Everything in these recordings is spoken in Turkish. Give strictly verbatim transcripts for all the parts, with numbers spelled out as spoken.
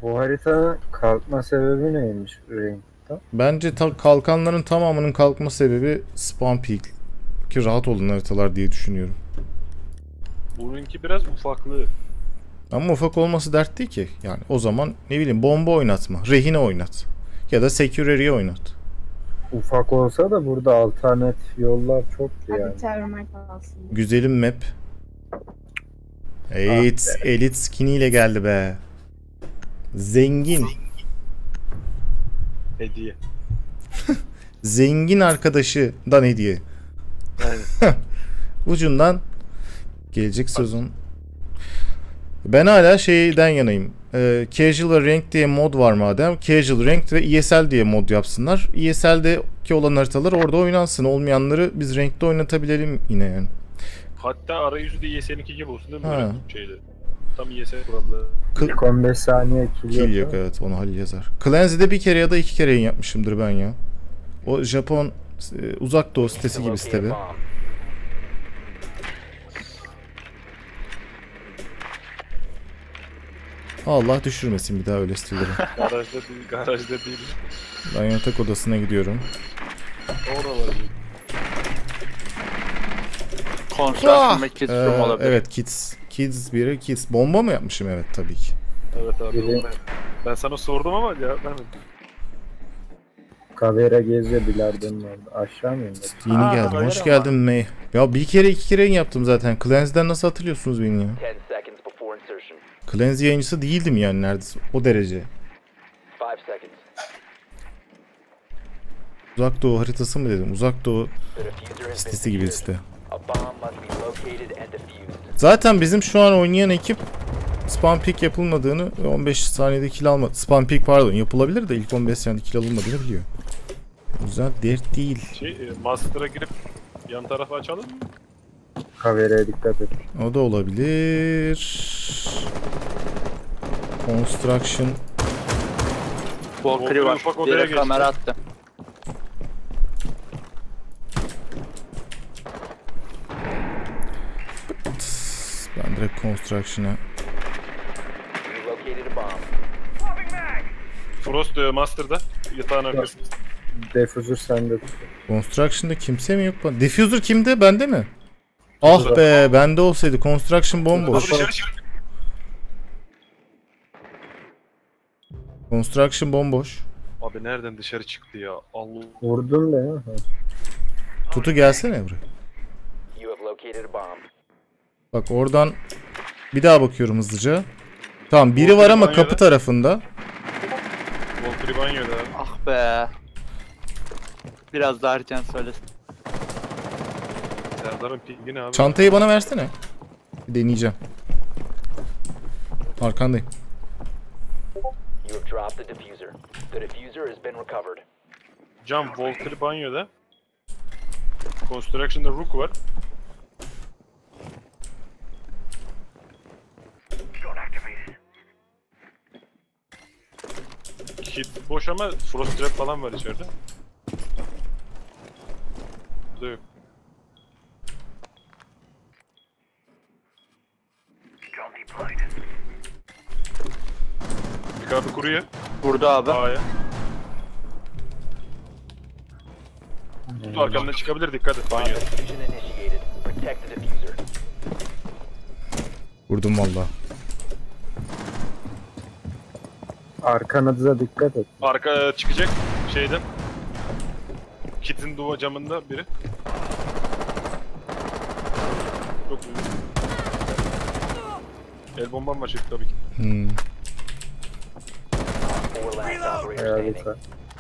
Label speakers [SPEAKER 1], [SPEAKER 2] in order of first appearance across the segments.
[SPEAKER 1] Bu haritanın kalkma sebebi neymiş Rank'ta?
[SPEAKER 2] Bence ta kalkanların tamamının kalkma sebebi spawn peak. Ki rahat olun haritalar diye düşünüyorum.
[SPEAKER 3] Bununki biraz ufaklığı.
[SPEAKER 2] Ama ufak olması dert değil ki. Yani o zaman ne bileyim bomba oynatma, rehine oynat. Ya da security oynat.
[SPEAKER 1] Ufak olsa da burada alternatif yollar çoktu yani.
[SPEAKER 4] Hadi termal kalsın.
[SPEAKER 2] Güzelim map. Evet, elit skin ile geldi be. Zengin.
[SPEAKER 3] Hediye.
[SPEAKER 2] Zengin arkadaşından hediye.
[SPEAKER 3] Aynen.
[SPEAKER 2] Ucundan gelecek sezon. Ben hala şeyden yanayım. Ee, Casual ve Ranked diye mod var madem. Casual, Ranked ve E S L diye mod yapsınlar. E S L'deki olan haritalar orada oynansın. Olmayanları biz Ranked'de oynatabilelim yine yani.
[SPEAKER 3] Hatta arayüzü de Y S'ninki gibi olsun değil mi?
[SPEAKER 2] Ha.
[SPEAKER 3] Böyle şeyde. Tam Y S kuralları.
[SPEAKER 1] İlk on beş saniye kill,
[SPEAKER 2] Kill
[SPEAKER 1] yok.
[SPEAKER 2] yok, evet, onu Halil yazar. Clancy'de bir kere ya da iki kere yayın yapmışımdır ben ya. O Japon e, uzak doğu sitesi gibi site bir. Allah düşürmesin bir daha öyle siteleri.
[SPEAKER 3] Garajda değil, garajda değil.
[SPEAKER 2] Ben yatak odasına gidiyorum.
[SPEAKER 3] Oralar.
[SPEAKER 5] Construction ve kids
[SPEAKER 2] Ee,
[SPEAKER 5] room olabilir.
[SPEAKER 2] evet, kids. Kids biri, kids. Bomba mı yapmışım? Evet, tabii ki.
[SPEAKER 3] Evet abi.
[SPEAKER 1] Biri-
[SPEAKER 3] Ben, ben sana sordum ama cevap vermedin.
[SPEAKER 1] Kavera geziyor bilardonun orada. Aşağı mı indi?
[SPEAKER 2] Yeni
[SPEAKER 5] Aa,
[SPEAKER 2] geldim.
[SPEAKER 5] öyle
[SPEAKER 2] Hoş
[SPEAKER 5] ama.
[SPEAKER 2] geldin May. Ya bir kere iki kere yayın yaptım zaten. Clancy'den nasıl hatırlıyorsunuz beni ya?
[SPEAKER 6] ten seconds before insertion.
[SPEAKER 2] Clancy yayıncısı değildim yani neredeyse. O derece.
[SPEAKER 6] five seconds.
[SPEAKER 2] Uzak doğu haritası mı dedim? Uzak doğu
[SPEAKER 6] The diffuser has been
[SPEAKER 2] sitesi gibi
[SPEAKER 6] secured.
[SPEAKER 2] site.
[SPEAKER 6] A bomb must be located and defused.
[SPEAKER 2] Zaten bizim şu an oynayan ekip spam peak yapılmadığını ve on beş saniyede kill almadı. Spam peak pardon yapılabilir de ilk on beş saniyede kill alınmadığını biliyor. O yüzden dert değil.
[SPEAKER 3] Şey, e, Master'a girip yan tarafa açalım mı?
[SPEAKER 1] Kavera'ya dikkat et.
[SPEAKER 2] O da olabilir. Construction.
[SPEAKER 5] Valkyrie var.
[SPEAKER 3] Ufak odaya
[SPEAKER 5] Direkt
[SPEAKER 3] geçti.
[SPEAKER 5] kamera attı.
[SPEAKER 2] Ben direkt Construction'a.
[SPEAKER 6] You located a bomb.
[SPEAKER 3] Frost e, Master'da. Yatağın arkasında.
[SPEAKER 1] Defuser sende tut.
[SPEAKER 2] Construction'da kimse mi yok? Diffuser kimde? Bende mi? Ah be, bende olsaydı. Construction
[SPEAKER 3] Abi
[SPEAKER 2] bomboş.
[SPEAKER 3] dışarı çık.
[SPEAKER 2] Construction bomboş.
[SPEAKER 3] Abi nereden dışarı çıktı ya? Allah.
[SPEAKER 1] Vurdun da ya. Ha.
[SPEAKER 2] Tutu gelsene buraya.
[SPEAKER 6] You have located a bomb.
[SPEAKER 2] Bak oradan bir daha bakıyorum hızlıca. Tamam, biri var ama kapı tarafında.
[SPEAKER 3] Valkyrie banyoda abi.
[SPEAKER 5] Ah be. Biraz daha erken söylesin.
[SPEAKER 3] Serdar'ın pingi ne abi?
[SPEAKER 2] Çantayı bana versene. Bir deneyeceğim. Arkandayım.
[SPEAKER 6] You have dropped the diffuser. The diffuser has been recovered.
[SPEAKER 3] Cam Valkyrie banyoda. Construction'da Rook var. Kit boş ama Frost Trap falan var içeride. Burada yok. Bir abi kuruyor.
[SPEAKER 5] Burada abi.
[SPEAKER 3] A'ya. Tut arkamdan çıkabilir, dikkat et
[SPEAKER 6] Bomb
[SPEAKER 3] banyoda.
[SPEAKER 6] diffusion initiated. Protect the diffuser.
[SPEAKER 2] Vurdum valla.
[SPEAKER 1] Arkanıza dikkat et.
[SPEAKER 3] Arka çıkacak şeyden. Kit'in duva camında biri. Çok iyi. El bombam var şimdi tabii ki.
[SPEAKER 2] Hmm.
[SPEAKER 6] Four last operator standing.
[SPEAKER 1] Harika.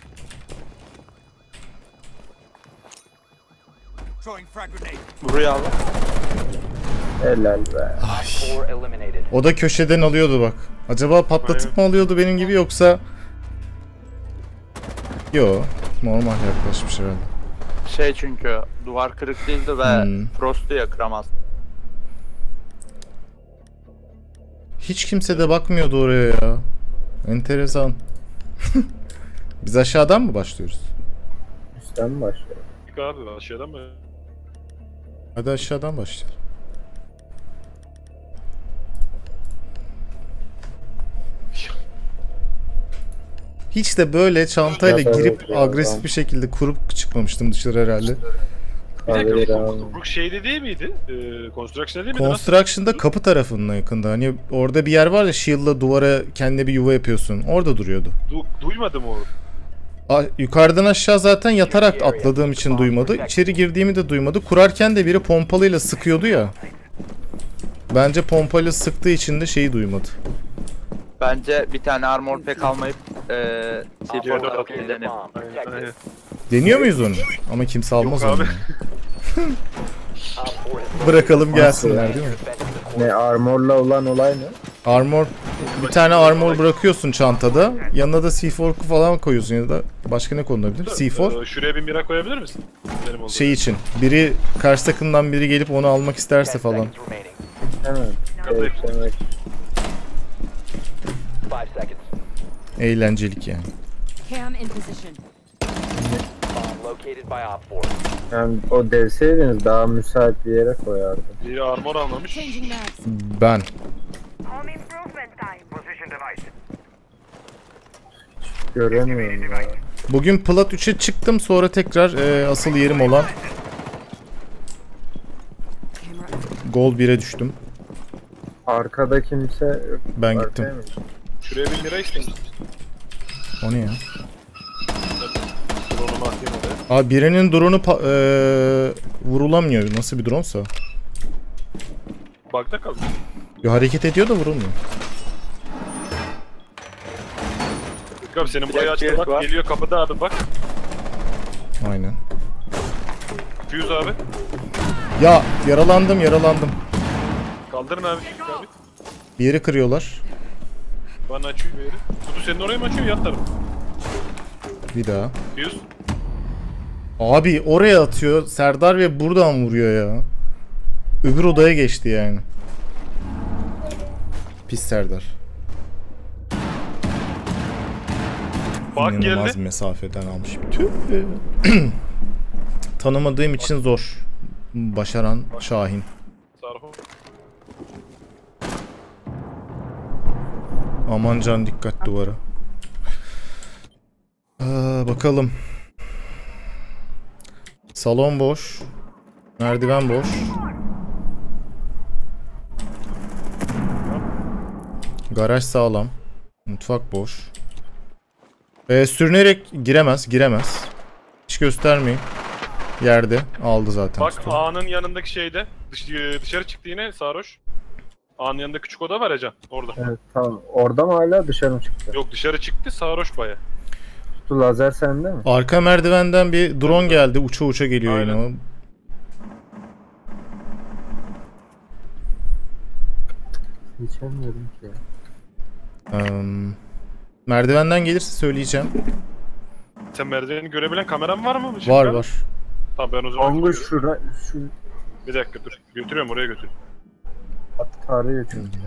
[SPEAKER 5] Buraya abi.
[SPEAKER 1] Helal be.
[SPEAKER 6] Four eliminated.
[SPEAKER 2] O da köşeden alıyordu bak. Acaba patlatıp mı alıyordu benim gibi yoksa... Yo, normal yaklaşmış herhalde.
[SPEAKER 5] Şey çünkü duvar kırık değildi ve
[SPEAKER 2] Hmm.
[SPEAKER 5] Frost'u yakıramaz.
[SPEAKER 2] Hiç kimse de bakmıyordu oraya ya. Enteresan. Biz aşağıdan mı başlıyoruz?
[SPEAKER 1] Üstten mi başlıyor?
[SPEAKER 3] Çık abi aşağıdan mı?
[SPEAKER 2] Hadi aşağıdan başlayalım. Hiç de böyle çantayla
[SPEAKER 1] Ya,
[SPEAKER 2] girip
[SPEAKER 1] evet ya,
[SPEAKER 2] agresif
[SPEAKER 1] ben-
[SPEAKER 2] bir şekilde kurup çıkmamıştım dışarı herhalde.
[SPEAKER 3] Bir
[SPEAKER 1] Hayır
[SPEAKER 3] dakika
[SPEAKER 1] abi.
[SPEAKER 3] bu, bu şeyde değil miydi? Ee, Construction'da değil miydi? Nasıl?
[SPEAKER 2] Construction'da kapı tarafının yakında. Hani orada bir yer var ya, shield'la duvara kendine bir yuva yapıyorsun. Orada duruyordu.
[SPEAKER 3] Du- duymadım onu.
[SPEAKER 2] A- yukarıdan aşağı zaten yatarak atladığım için duymadı. İçeri girdiğimi de duymadı. Kurarken de biri pompalıyla sıkıyordu ya. Bence pompayla sıktığı için de şeyi duymadı.
[SPEAKER 5] Bence bir tane armor pack almayıp eee
[SPEAKER 6] Op
[SPEAKER 5] C
[SPEAKER 6] four
[SPEAKER 5] four
[SPEAKER 6] located a
[SPEAKER 5] denelim.
[SPEAKER 6] bomb. Protect
[SPEAKER 3] Aynen.
[SPEAKER 6] it.
[SPEAKER 2] Deniyor muyuz onu? Ama kimse almaz
[SPEAKER 3] Yok
[SPEAKER 2] onu.
[SPEAKER 3] abi.
[SPEAKER 2] ya.
[SPEAKER 6] Op four has
[SPEAKER 2] Bırakalım
[SPEAKER 6] located
[SPEAKER 2] gelsinler
[SPEAKER 6] the
[SPEAKER 2] değil mi?
[SPEAKER 6] defense of the core.
[SPEAKER 1] Ne armorla olan olay ne?
[SPEAKER 2] Armor, bir tane armor bırakıyorsun çantada. Yanına da C four falan koyuyorsun ya da başka ne konulabilir? C four
[SPEAKER 3] Ee, şuraya bir mira koyabilir misin? Benim olduğum.
[SPEAKER 2] şey için. Biri karşı takımdan biri gelip onu almak isterse
[SPEAKER 6] Ten
[SPEAKER 2] falan.
[SPEAKER 6] seconds remaining.
[SPEAKER 1] Evet. Evet, evet.
[SPEAKER 6] Five seconds.
[SPEAKER 2] Eğlencelik yani.
[SPEAKER 4] Cam in position.
[SPEAKER 6] Bomb located by Op four.
[SPEAKER 1] Yani o devseydiniz daha müsait bir yere koyardım.
[SPEAKER 3] Biri armor almamış.
[SPEAKER 4] Changing mags.
[SPEAKER 2] Ben.
[SPEAKER 7] Home improvement time. Position device.
[SPEAKER 1] Göremiyorum ya.
[SPEAKER 2] Bugün Plat üçe çıktım, sonra tekrar e, asıl yerim olan
[SPEAKER 4] Camera.
[SPEAKER 2] Gold bire düştüm.
[SPEAKER 1] Arkada kimse yok.
[SPEAKER 2] Ben
[SPEAKER 1] Arkaya
[SPEAKER 2] gittim.
[SPEAKER 1] mı?
[SPEAKER 3] Şuraya bir mira istedim.
[SPEAKER 2] O ne ya?
[SPEAKER 3] Drone'umu atayım oraya.
[SPEAKER 2] Abi birinin drone'u pa- e, vurulamıyor. Nasıl bir drone'sa.
[SPEAKER 3] Bug'da kaldı.
[SPEAKER 2] Ya hareket ediyor da vurulmuyor.
[SPEAKER 3] Yok abi senin burayı
[SPEAKER 5] Direkt
[SPEAKER 3] açtı
[SPEAKER 5] bir
[SPEAKER 3] bak.
[SPEAKER 5] var.
[SPEAKER 3] Geliyor kapıda abi bak.
[SPEAKER 2] Aynen.
[SPEAKER 3] Fuse abi.
[SPEAKER 2] Ya yaralandım yaralandım.
[SPEAKER 3] Kaldırın abi. Fuse abi.
[SPEAKER 2] Bir yeri kırıyorlar.
[SPEAKER 3] Bana açıyor bir yeri. Kutu senin oraya mı açıyor yan taraf?
[SPEAKER 2] Bir daha.
[SPEAKER 3] Fuse.
[SPEAKER 2] Abi oraya atıyor Serdar ve buradan vuruyor ya. Öbür odaya geçti yani. Pis Serdar.
[SPEAKER 3] Bak
[SPEAKER 2] İnanılmaz
[SPEAKER 3] geldi.
[SPEAKER 2] mesafeden almış. Tüh. Tanımadığım için zor. Başaran Şahin.
[SPEAKER 3] Sarho.
[SPEAKER 2] Aman can dikkat duvara. Aa, bakalım. Salon boş. Merdiven boş. Garaj sağlam. Mutfak boş. Ee, sürünerek giremez, giremez. Hiç göstermeyin. Yerde aldı zaten.
[SPEAKER 3] Bak
[SPEAKER 2] tutu.
[SPEAKER 3] A'nın yanındaki şeyde. Dış, e, dışarı çıktı yine sarhoş. A'nın yanında küçük oda var ya Can. Orada.
[SPEAKER 1] Evet tamam. Orada mı hala dışarı mı çıktı?
[SPEAKER 3] Yok dışarı çıktı sarhoş baya.
[SPEAKER 1] Kutu lazer sende mi?
[SPEAKER 2] Arka merdivenden bir drone geldi. Uça uça geliyor
[SPEAKER 3] Aynen.
[SPEAKER 2] yine o.
[SPEAKER 1] Geçemiyorum ki.
[SPEAKER 2] Eee, merdivenden gelirse söyleyeceğim.
[SPEAKER 3] Sen merdiveni görebilen kameran var mı?
[SPEAKER 2] Var var.
[SPEAKER 3] Tamam ben o zaman
[SPEAKER 1] Ongu
[SPEAKER 3] götürüyorum.
[SPEAKER 1] şura şu
[SPEAKER 3] Bir dakika dur. Götürüyorum oraya götür.
[SPEAKER 1] at tarıyor çünkü.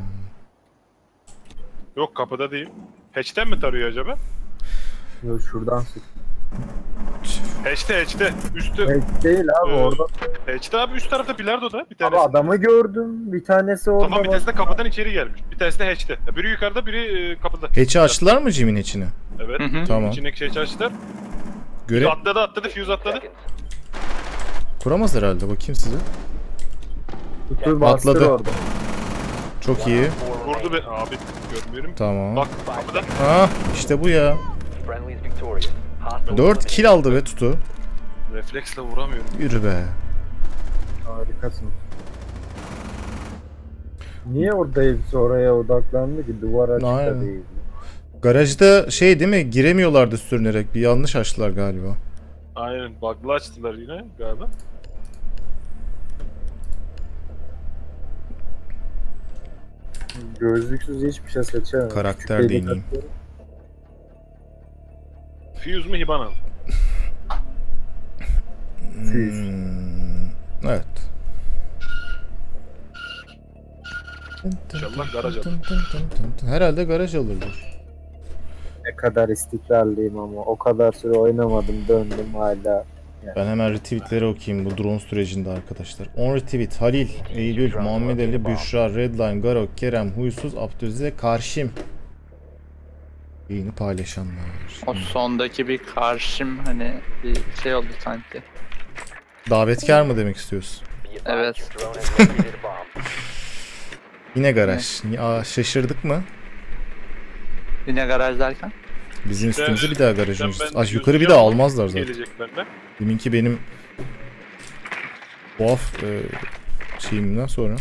[SPEAKER 3] Yok kapıda değil. Hatch'ten mi tarıyor acaba?
[SPEAKER 1] Yok şuradan sık.
[SPEAKER 3] Hatch'te hatch'te. Üstte.
[SPEAKER 1] Evet değil abi
[SPEAKER 3] Ee,
[SPEAKER 1] orada.
[SPEAKER 3] Hatch'te abi üst tarafta bilardoda bir
[SPEAKER 1] Abi
[SPEAKER 3] tanesi.
[SPEAKER 1] adamı gördüm. Bir tanesi orada.
[SPEAKER 3] Tamam bir
[SPEAKER 1] bak.
[SPEAKER 3] tanesi de kapıdan içeri gelmiş. Bir tanesi de hatch'te. Biri yukarıda biri e, kapıda.
[SPEAKER 2] Hatch'i açtılar mı Jim'in hatch'ini?
[SPEAKER 3] Evet.
[SPEAKER 5] Hı hı.
[SPEAKER 2] Tamam.
[SPEAKER 3] İçindeki hatch'i açtılar.
[SPEAKER 2] Göre
[SPEAKER 3] Atladı atladı fuse atladı.
[SPEAKER 6] Seconds.
[SPEAKER 2] kuramaz herhalde. Bakayım size.
[SPEAKER 1] Kutu bastır
[SPEAKER 2] Atladı.
[SPEAKER 1] orada.
[SPEAKER 2] Çok iyi.
[SPEAKER 6] Four
[SPEAKER 3] Vurdu
[SPEAKER 6] remaining.
[SPEAKER 3] be. Abi görmüyorum.
[SPEAKER 2] Tamam.
[SPEAKER 3] Bak kapıda.
[SPEAKER 2] Ah işte bu ya.
[SPEAKER 6] Friendly's victorious. Hostile
[SPEAKER 2] dört kill aldı be tutu.
[SPEAKER 3] Refleksle vuramıyorum.
[SPEAKER 2] Yürü be.
[SPEAKER 1] Harikasın. Niye orada hepsi oraya odaklandı ki? Duvar açık da
[SPEAKER 2] Aynen.
[SPEAKER 1] değil.
[SPEAKER 2] Garajda şey değil mi? Giremiyorlardı sürünerek. Bir yanlış açtılar galiba.
[SPEAKER 3] Aynen. Bug'lı açtılar yine galiba.
[SPEAKER 1] Gözlüksüz hiçbir şey seçemem.
[SPEAKER 2] Karakter
[SPEAKER 1] Küçük
[SPEAKER 2] deneyeyim.
[SPEAKER 1] delik atıyorum.
[SPEAKER 3] Fuse mu Hiban al?
[SPEAKER 2] Hmm, evet.
[SPEAKER 3] İnşallah garaj alır.
[SPEAKER 2] Herhalde garaj alırlar.
[SPEAKER 1] Ne kadar istikrarlıyım ama o kadar süre oynamadım döndüm hala.
[SPEAKER 2] Ben hemen retweetleri okuyayım bu drone sürecinde arkadaşlar. on retweet Halil, Eylül, Muhammed Ali, Büşra, Redline, Garok, Kerem, Huysuz, Abdülaziz, Karşim. Yayını paylaşanlar.
[SPEAKER 5] O sondaki bir karşım hani bir şey oldu sanki.
[SPEAKER 2] Davetkar mı demek istiyorsun?
[SPEAKER 6] Be advised
[SPEAKER 5] Evet.
[SPEAKER 6] your drone has located a bomb.
[SPEAKER 2] Yine garaj. Aa, şaşırdık mı?
[SPEAKER 5] Yine garaj derken?
[SPEAKER 2] Bizim
[SPEAKER 3] İşte-
[SPEAKER 2] üstümüze bir daha garaj
[SPEAKER 3] İşte
[SPEAKER 2] öncesi.
[SPEAKER 3] ben
[SPEAKER 2] Ay, yukarı bir
[SPEAKER 3] gözüküyor
[SPEAKER 2] daha
[SPEAKER 3] ama
[SPEAKER 2] almazlar zaten.
[SPEAKER 3] Gelecek benden.
[SPEAKER 2] Deminki benim tuhaf e, şeyimden sonra.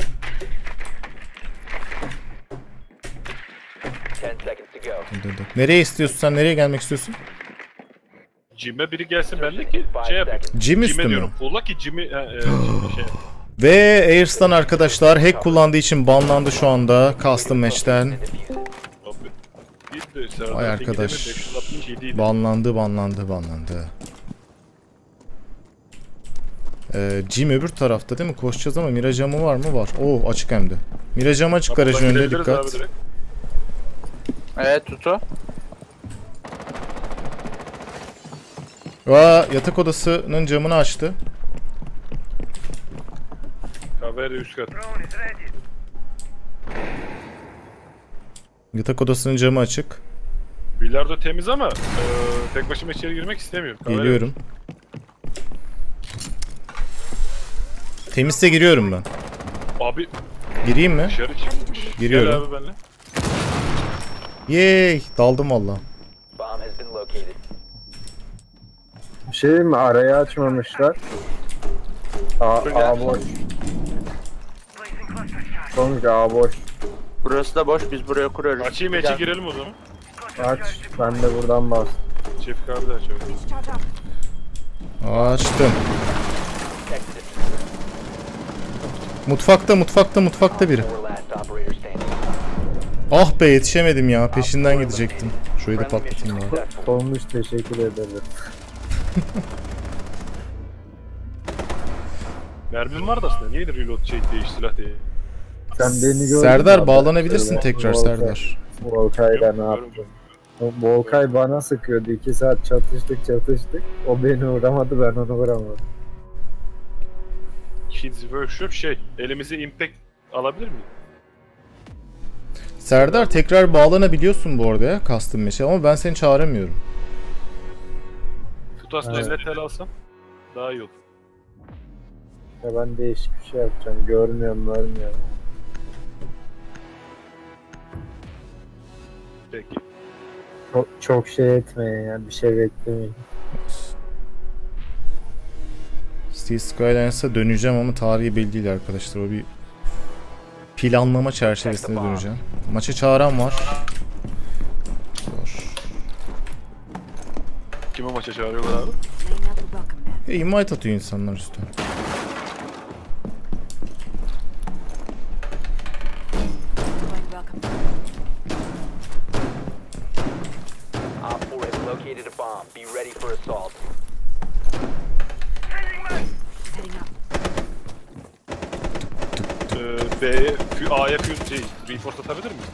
[SPEAKER 6] Ten seconds to go.
[SPEAKER 2] Dur, dur. Nereye istiyorsun sen? Nereye gelmek istiyorsun?
[SPEAKER 3] Jim'e biri gelsin benimle ki şey yapayım.
[SPEAKER 2] Jim üstü
[SPEAKER 3] Jim'e
[SPEAKER 2] mü?
[SPEAKER 3] diyorum. Pulla ki Jim'i... he, e, Jim'i şey.
[SPEAKER 2] Ve Airs'tan arkadaşlar hack kullandığı için banlandı şu anda custom match'ten.
[SPEAKER 6] The diffuser.
[SPEAKER 3] Abi. Gitti. Serdar
[SPEAKER 2] Vay
[SPEAKER 3] Tekin'in
[SPEAKER 2] arkadaş.
[SPEAKER 3] beş yüz altmış yedi idi.
[SPEAKER 2] Banlandı, banlandı, banlandı. Ee, Jim öbür tarafta değil mi? Koşacağız ama mira camı var mı? Var. Oo, açık hem de. Mira camı açık, garajın
[SPEAKER 3] Kapıdan
[SPEAKER 2] önünde
[SPEAKER 3] girebiliriz
[SPEAKER 2] dikkat.
[SPEAKER 3] abi direkt.
[SPEAKER 5] Evet Tutu.
[SPEAKER 2] Aa, yatak odasının camını açtı.
[SPEAKER 3] Kaveri üst kat.
[SPEAKER 7] Drone is ready.
[SPEAKER 2] Yatak odasının camı açık.
[SPEAKER 3] Bilardo temiz ama e, tek başıma içeri girmek istemiyorum. Kaveri-
[SPEAKER 2] Geliyorum. Temizse giriyorum ben.
[SPEAKER 3] Abi
[SPEAKER 2] Gireyim mi?
[SPEAKER 3] dışarı çıkmış.
[SPEAKER 2] Giriyorum.
[SPEAKER 3] Gel abi benimle.
[SPEAKER 2] Yey, daldım valla.
[SPEAKER 6] Bomb has been located.
[SPEAKER 1] Bir şey mi? Arayı açmamışlar. A,
[SPEAKER 5] Buraya.
[SPEAKER 1] A boş. Sonuç A boş.
[SPEAKER 5] Burası da boş, biz buraya kuruyoruz.
[SPEAKER 3] Açayım
[SPEAKER 5] Gel.
[SPEAKER 3] içe girelim o zaman.
[SPEAKER 1] Aç. Ben de buradan bas.
[SPEAKER 3] Çift kartı açalım.
[SPEAKER 4] Charge up.
[SPEAKER 2] Açtım.
[SPEAKER 6] Protect the diffuser.
[SPEAKER 2] Mutfakta, mutfakta, mutfakta biri.
[SPEAKER 6] Four last operator standing.
[SPEAKER 2] Ah be, yetişemedim ya. Peşinden gidecektim. Şurayı da
[SPEAKER 6] Friendly mission
[SPEAKER 2] patlatayım bari.
[SPEAKER 6] successful.
[SPEAKER 1] Sonuç teşekkür ederim.
[SPEAKER 3] Mermim vardı aslında. Niye reload şey değiş silah değil.
[SPEAKER 1] Sen beni gördün.
[SPEAKER 2] Serdar,
[SPEAKER 1] mü?
[SPEAKER 2] bağlanabilirsin
[SPEAKER 1] Şöyle
[SPEAKER 2] tekrar
[SPEAKER 1] Volkay-
[SPEAKER 2] Serdar.
[SPEAKER 1] Volkay'la ne yaptın? O Volkay bana sıkıyordu. iki saat çatıştık çatıştık. O beni vuramadı, ben onu vuramadım.
[SPEAKER 3] Kids Workshop şey. Elimize impact alabilir miyim?
[SPEAKER 2] Serdar, tekrar bağlanabiliyorsun bu arada ya custom match'e ama ben seni çağıramıyorum.
[SPEAKER 3] Tutasla
[SPEAKER 1] Evet.
[SPEAKER 3] elli T L alsam daha iyi olur.
[SPEAKER 1] Ya ben değişik bir şey yapacağım. Görmüyorum, görmüyorum.
[SPEAKER 3] Peki.
[SPEAKER 1] Çok, çok şey etmeyin ya. Bir şey beklemeyin.
[SPEAKER 2] Steel Skylines'a döneceğim ama tarihi belli değil arkadaşlar. O bir planlama çerçevesinde döneceğim. Maça çağıran var. Var.
[SPEAKER 3] Kime maça çağırıyorlar abi?
[SPEAKER 4] Laying out the welcome mat.
[SPEAKER 2] E, invite atıyor insanlar üstüne.
[SPEAKER 4] Deploying welcome mat.
[SPEAKER 6] Op four has located a bomb. Be ready for assault.
[SPEAKER 4] Heading up.
[SPEAKER 3] Ee, B'ye, fü- A'ya fuse şey, reinforce atabilir miyiz?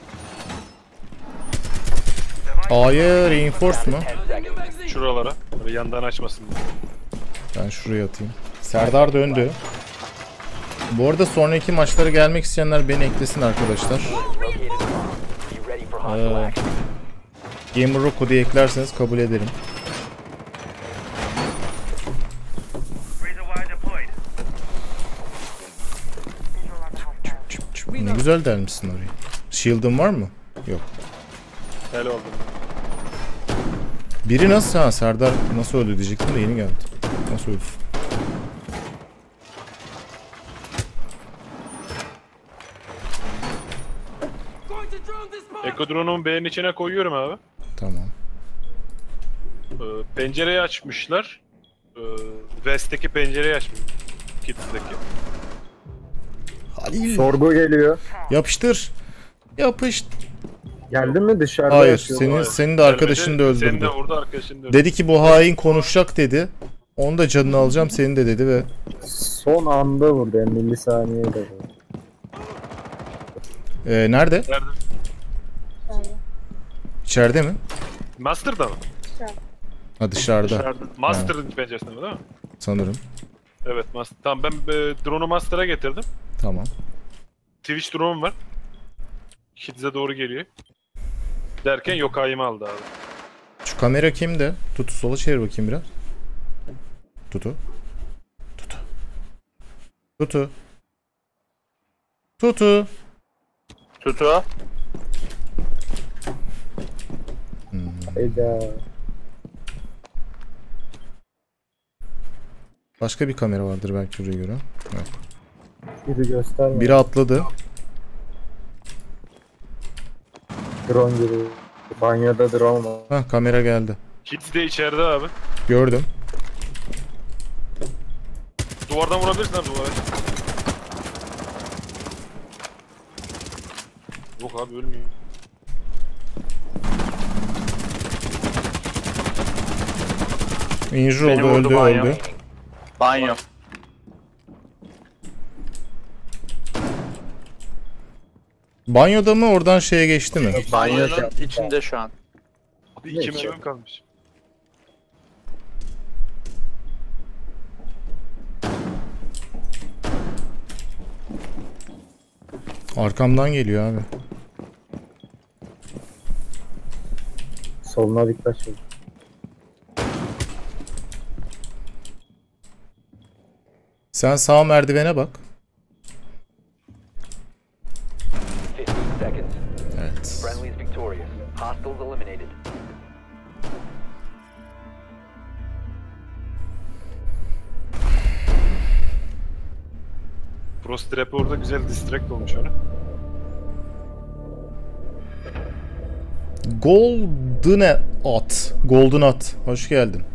[SPEAKER 2] A'ya reinforce mu?
[SPEAKER 6] Ten seconds.
[SPEAKER 3] Şuralara. Böyle yandan açmasın diye.
[SPEAKER 2] Ben şuraya atayım. Serdar döndü. Bu arada sonraki maçlara gelmek isteyenler beni eklesin arkadaşlar.
[SPEAKER 6] Located a bomb. Be ready for hostile
[SPEAKER 2] Ee,
[SPEAKER 6] action.
[SPEAKER 2] Gamer Rocco diye eklerseniz kabul ederim.
[SPEAKER 7] Razor wire deployed.
[SPEAKER 2] Çıp çıp. Ne güzel delmişsin orayı. Shield'ın var mı? Yok.
[SPEAKER 3] Helal oldu.
[SPEAKER 2] Biri nasıl ha Serdar nasıl öldü diyecektim de yeni geldi. Nasıl öldü?
[SPEAKER 3] Echo drone'umu B'nin içine koyuyorum abi.
[SPEAKER 2] Tamam.
[SPEAKER 3] Ee, pencereyi açmışlar. Ee, West'teki pencereyi açmış. Kids'deki.
[SPEAKER 2] Halil.
[SPEAKER 1] Sorgu geliyor.
[SPEAKER 2] Yapıştır. Yapıştır.
[SPEAKER 1] Geldi mi dışarıda?
[SPEAKER 2] Hayır,
[SPEAKER 1] yatıyor.
[SPEAKER 2] senin
[SPEAKER 3] Hayır.
[SPEAKER 2] senin de arkadaşını da
[SPEAKER 3] Seni de
[SPEAKER 2] öldürdü.
[SPEAKER 3] orada arkadaşını da öldürdü.
[SPEAKER 2] Dedi ki bu hain konuşacak dedi. Onu da canını alacağım seni de dedi ve
[SPEAKER 1] Son anda vurdu. Yani milisaniyede vurdu.
[SPEAKER 2] Ee, nerede?
[SPEAKER 3] Nerede?
[SPEAKER 2] İçeride mi?
[SPEAKER 3] Master'da mı?
[SPEAKER 2] Ha dışarıda
[SPEAKER 3] Dışarıda. Master'ın penceresinde mi değil mi?
[SPEAKER 2] sanırım.
[SPEAKER 3] Evet Master. Tamam ben e, drone'u Master'a getirdim.
[SPEAKER 2] Tamam.
[SPEAKER 3] Twitch drone'um var. Kids'e doğru geliyor. Derken Yokai'mi aldı abi.
[SPEAKER 2] Şu kamera kimde? Tutu sola çevir bakayım biraz. Tutu. Tutu. Tutu. Tutu.
[SPEAKER 5] Tutu.
[SPEAKER 1] Hayda.
[SPEAKER 2] Başka bir kamera vardır belki oraya göre. Evet.
[SPEAKER 1] Biri gösterme.
[SPEAKER 2] Biri atladı.
[SPEAKER 1] Drone gibi. Banyoda drone var.
[SPEAKER 2] Hah, kamera geldi.
[SPEAKER 3] Kids de içeride abi.
[SPEAKER 2] Gördüm.
[SPEAKER 3] Duvardan vurabilirsin abi duvara. Yok abi ölmüyor.
[SPEAKER 2] Injure
[SPEAKER 5] Beni
[SPEAKER 2] oldu,
[SPEAKER 5] vurdu
[SPEAKER 2] öldü,
[SPEAKER 5] banyo.
[SPEAKER 2] öldü.
[SPEAKER 5] Banyo.
[SPEAKER 2] Banyoda mı, oradan şeye geçti mi?
[SPEAKER 5] Banyonun içinde şu an.
[SPEAKER 3] Abi iki mermim kalmış.
[SPEAKER 2] Arkamdan geliyor abi.
[SPEAKER 1] Soluna dikkat çek.
[SPEAKER 2] Sen sağ merdivene bak.
[SPEAKER 6] fifteen seconds.
[SPEAKER 2] Evet.
[SPEAKER 6] Friendly's victorious. Hostiles eliminated.
[SPEAKER 3] Frost Trap orada güzel distract olmuş onu.
[SPEAKER 2] Golden at. Golden at. Hoş geldin.